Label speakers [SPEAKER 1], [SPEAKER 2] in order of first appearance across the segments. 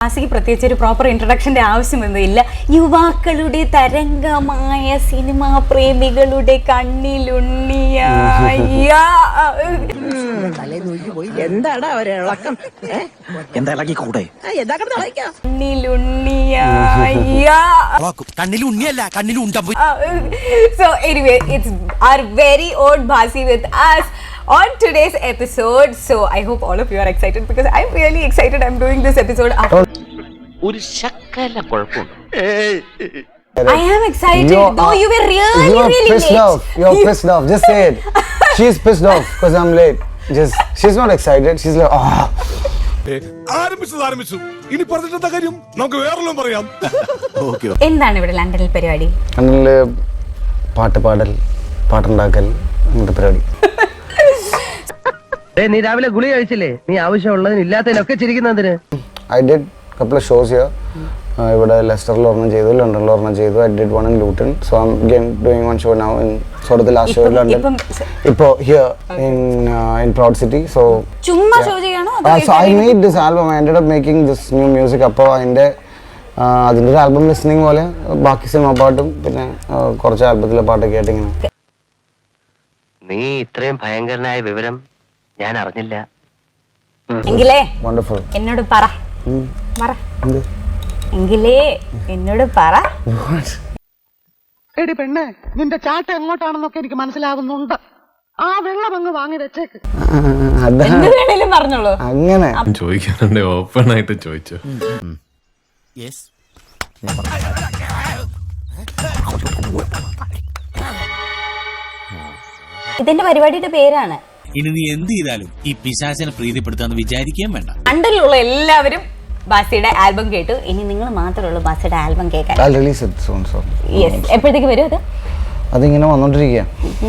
[SPEAKER 1] ആസിക്ക് പ്രത്യേകിച്ച് ഒരു പ്രോപ്പർ ഇൻട്രൊഡക്ഷന്റെ ആവശ്യമൊന്നുമില്ല. യുവാക്കളുടെ തരംഗമായ സിനിമാ പ്രേമികളുടെ കണ്ണിലുണ്ണിയ
[SPEAKER 2] എന്താണ് അവരിളക്കം
[SPEAKER 3] എന്താ ഇളക്കി കൂടെ
[SPEAKER 1] കണ്ണിലുണ്ണിയല്ല കണ്ണിലുണ്ട. So anyway, it's our very own Basi with us on today's episode. So I hope all of you are excited because I'm really excited. I'm doing this episode after.
[SPEAKER 4] ഒരു ശക്കല കുഴപ്പമുണ്ട്.
[SPEAKER 1] I am excited. Though you were really
[SPEAKER 5] pissed
[SPEAKER 1] late.
[SPEAKER 5] off. You're pissed off. Just say it. She's pissed off because I'm late. She's not excited. She's like, ah.
[SPEAKER 6] ആരംഭിച്ചു ഇനി പറഞ്ഞിട്ട കാര്യം നമുക്ക് വേറെല്ലാം പറയാം.
[SPEAKER 1] എന്താണ് ഇവിടെ ലണ്ടനിൽ പരിപാടി?
[SPEAKER 5] ലണ്ടനില് പാട്ടുണ്ടാക്കൽ അങ്ങനത്തെ പരിപാടി.
[SPEAKER 2] നീ രാവിലെ ഗുളി കഴിച്ചില്ലേ? നീ ആവശ്യമുള്ളതിന് ഇല്ലാത്തതിനൊക്കെ ചിരിക്കുന്നതിന്.
[SPEAKER 5] I did couple of shows here. ഇവിടെ ലെസ്റ്ററിൽ ഒരെണ്ണം ചെയ്തു, ലണ്ടനിൽ ഒരെണ്ണം ചെയ്തു. I did one in Luton. So I'm again doing one show now in sort of the last show in London. Ipo here in Proud City. So
[SPEAKER 1] ചുമ്മാ show ചെയ്യണോ?
[SPEAKER 5] so I made this album. I ended up making this new music. അപ്പോൾ അതിൻ്റെ ഒരു album listening പോലെ ബാക്കി cinema പാട്ടും പിന്നെ കുറച്ച് ആൽബത്തിലെ പാട്ടൊക്കെ ആയിട്ട് ഇങ്ങനെ.
[SPEAKER 4] നീ ഇത്രയും ഭയങ്കരനായ വിവരം ഞാൻ അറിഞ്ഞില്ല.
[SPEAKER 1] എങ്കിലേ
[SPEAKER 5] വണ്ടർഫുൾ.
[SPEAKER 1] എന്നോട് പറ. എങ്കിലേ എന്നോട് പറ.
[SPEAKER 2] എടി പെണ്ണെ, നിന്റെ ചാട്ട എങ്ങോട്ടാണെന്നൊക്കെ എനിക്ക് മനസ്സിലാകുന്നുണ്ട്. ആ വെള്ളം അങ്ങ് വാങ്ങി വെച്ചേക്ക്.
[SPEAKER 1] എന്ത് വേണേലും പറഞ്ഞോളൂ.
[SPEAKER 5] അങ്ങനെ
[SPEAKER 6] ചോദിക്കാനുണ്ട്, ഓപ്പൺ ആയിട്ട് ചോദിച്ചു.
[SPEAKER 1] ഇതിന്റെ പരിപാടിയുടെ പേരാണ്.
[SPEAKER 7] ഇനി നീ എന്ത് ചെയ്താലും ഈ പിശാചിനെ പ്രീതിപ്പെടുത്താന്ന് വിചാരിക്കുകയും വേണ്ട.
[SPEAKER 1] ലണ്ടനിലുള്ള എല്ലാവരും ബാസിയുടെ ആൽബം കേട്ടു. ഇനി നിങ്ങൾ മാത്രമേ ഉള്ളൂ ബാസിയുടെ ആൽബം കേൾക്കാൻ.
[SPEAKER 5] I'll release it soon. So
[SPEAKER 1] yes. എപ്പോഴത്തേക്ക് വരും അത്?
[SPEAKER 5] അതിങ്ങനെ വന്നോണ്ടിരിക്കുക.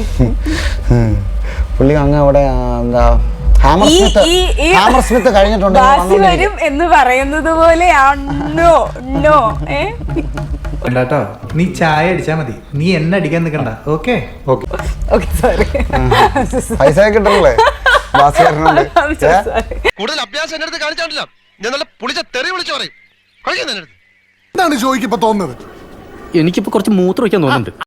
[SPEAKER 5] പുള്ളി അങ്ങ് അവിടെ എന്താ ഹാമർ സ്മിത്ത് കഴിഞ്ഞിട്ടുണ്ട്.
[SPEAKER 1] ബാസി വരും എന്ന് പറയുന്നത് പോലെയാണോ? നോ.
[SPEAKER 8] കേട്ടോ, നീ ചായ അടിച്ചാ മതി, നീ എന്നെ അടിക്കാൻ നിൽക്കണ്ട. Okay
[SPEAKER 1] sorry.
[SPEAKER 5] പൈസ കിട്ടണല്ലേ ബാസിക്കാരനുണ്ട്.
[SPEAKER 3] കൂടുതൽ അഭ്യാസം എന്റെ അടുത്ത് കാണിച്ചാണ്ടില്ല. ഞാൻ നല്ല പുളിച്ച തെറി വിളിച്ചു പറയും. കളിക്കാൻ
[SPEAKER 6] എന്താണ് ചോദിക്കപ്പോ തോന്നുന്നത്?
[SPEAKER 3] എനിക്കിപ്പോ കുറച്ച് മൂത്രം വയ്ക്കാൻ തോന്നുന്നുണ്ട്.